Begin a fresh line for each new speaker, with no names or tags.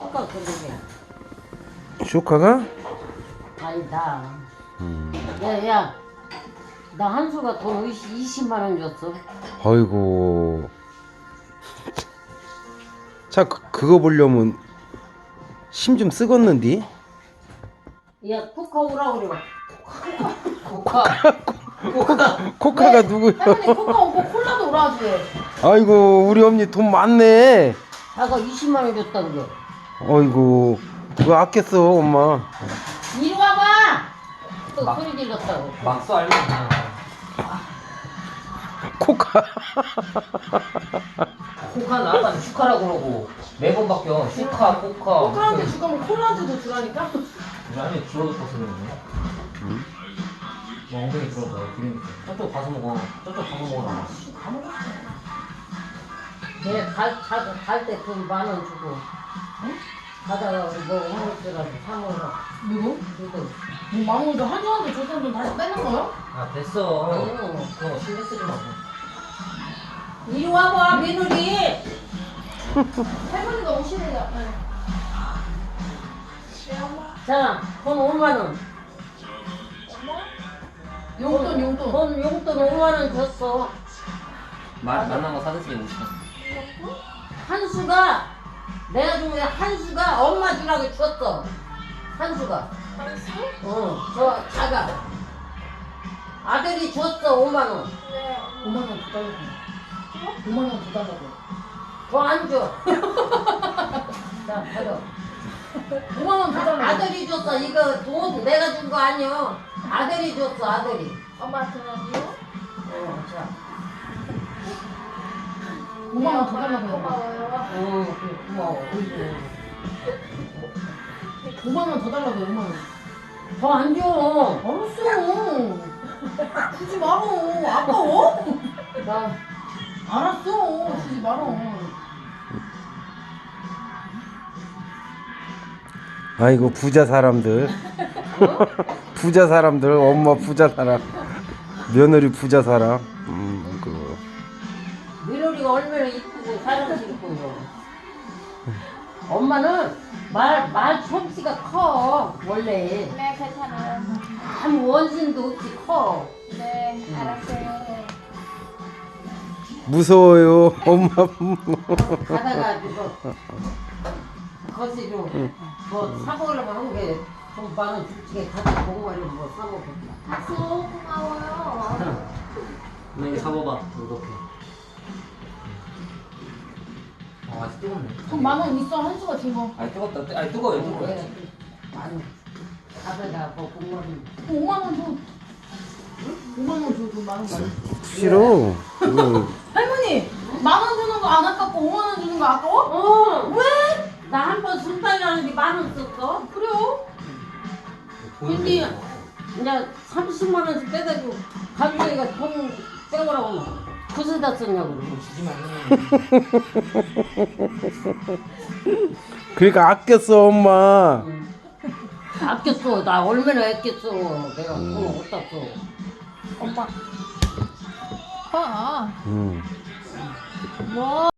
슈가 그러게.
슈카가?
아니다. 야야, 나 한수가 돈 20만 원 줬어.
아이고. 자, 그거 보려면 힘 좀 쓰겄는디?
야, 코카 오라 그래. 코카.
코카가 누구야?
할머니 코카 오고 콜라도 오라지.
아이고, 우리 언니 돈 많네.
자가 20만 원 줬다 그래.
아이고, 그거 아꼈어, 엄마.
이리 와봐. 또 소리 질렀다고.
막수 알면
코카.
코카 나한테 슈카라고 그러고 매번 바뀌어. 슈카, 코카.
코카한테 주가면 콜라한테도 주라니까.
안에 줄어들어서 그러네. 뭐 엉덩이 줄어들어. 기름. 저쪽 가서 먹어. 저쪽 가서 먹어라.
걔갈때 돈 10,000원 주고. 응? 가다가 뭐 한국들하고 사 먹으라.
누구?
누구?
뭐 마무리도 한주한테 줬던 돈 다시 빼는 거요?
아 됐어.
응.
그런 거 신경 쓰지 말고.
이리 와봐, 며느리.
할머니가 오시네요. 네.
자, 돈 5만 원.
용돈.
돈 용돈 5만 원 줬어.
만난 거 사드시게 오시다
한수가 내가 준 거야. 한수가 엄마 주라고 줬어. 한수가.
한수?
저 자가 아들이 줬어 5만 원.
네. 5만 원 더 달라고. 5만 원 더 달라고.
더 안 줘. 자, 받아.
5만 원 더 달라고.
아들이 줬어. 이거 돈 내가 준 거 아니야. 아들이 줬어. 아들이.
엄마한테는요?
자.
5만 원 더 달라고.
고마워요. 고마워.
5만 원 더 달라고. 5만 원.
더 안 줘.
알았어. 주지 말어. 아까워?
나
알았어. 주지 말어.
아이고, 부자 사람들. 부자 사람들, 엄마 부자 사람. 며느리 부자 사람. 그거.
며느리가 얼마나 이쁘고 사랑스럽고. 엄마는 말 솜씨가 커 원래.
네, 괜찮아요.
아무 원신도 없이 커.
네, 알았어요.
무서워요, 엄마.
가다가 이거 거시로 뭐 사먹으려고 한게좀 많은 주치게 가서 공부하려고 뭐 사먹고.
하수 고마워요.
너 이거 잡아봐. 이렇게. 아직 뜨겁네.
돈 10,000원 있어. 한수가 준 거.
아니 뜨겁다. 아니 뜨거워요. 뜨거워.
많이 가다가 뭐 공부하면
5만 원 줘. 5만 원 줘. 돈 10,000원 말고.
싫어.
할머니 10,000원 주는 거 안 아깝고 5만 원 주는 거 아까워?
왜? 나 한 번 순탄이라는 게 10,000원 썼어.
그래요?
근데 이제 30만 원씩 떼가지고 가족이가 돈 빼오라고 그새다 썼냐고 그러고.
주지 말래.
그러니까 아꼈어, 엄마.
아꼈어. 나 얼마나 아꼈어. 내가 돈 어디다 써.
오빠. 봐.
음.
뭐?